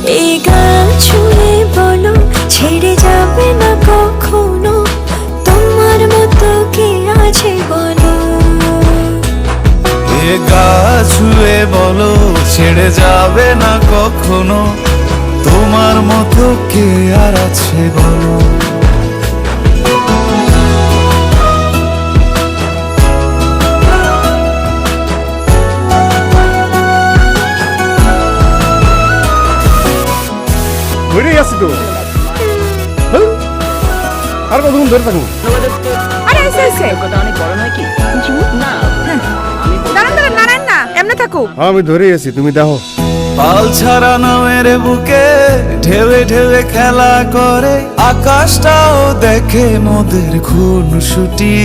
এই গান ছুঁয়ে বলো ছেড়ে যাবে না কখনো, তোমার মতো কে আছে বলো। এ গা ছুঁয়ে বলো ছেড়ে যাবে না কখনো, তোমার মতো কে আর আছে বলো। ধরেই আছি তো, হ্যাঁ? আর কতক্ষণ ধরে থাকুন? আরে এসে এসে কথা অনেক বড় নয় কি? না দাঁড়ান দাঁড়ান নারায়ণ না এমনি থাকো। হ্যাঁ, আমি ধরেই আছি, তুমি দেখো। পাল ছাড়া নামের বুকে ঢেউে ঢেউে খেলা করে, আকাশটাও দেখে মোদের খুনসুটি।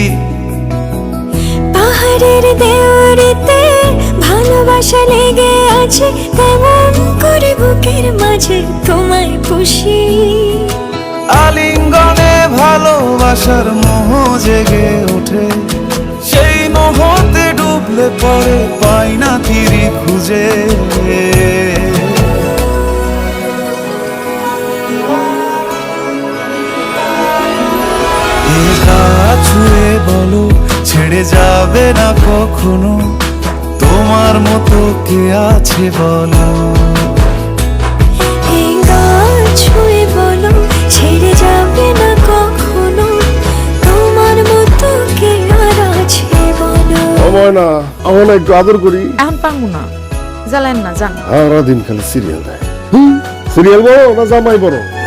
পাহাড়ের দেওয়ারিতে ভালোবাসা লেগে আছে, তেমন করে বুকের মাঝে তোমায় পুষি। আলিঙ্গনে ভালোবাসার মোহ জেগে ওঠে, সেই মোহতে ডুবলে পড়ে পাই না তীরি খুঁজে। এ গা ছুঁয়ে বলো ছেড়ে যাবে না কখনো, তোমার মতো কে আছে বলো। এই গান ছুঁয়ে বলো ছেড়ে যাবে না কখনো, তোমার মতো কে আর আছে বলো। আমার না, আমার না একটু আদর করি। এখন পারবো না, জ্বালেন না জান। সারাদিন খালি সিরিয়াল দেয়। সিরিয়াল বড় না জামাই বড়?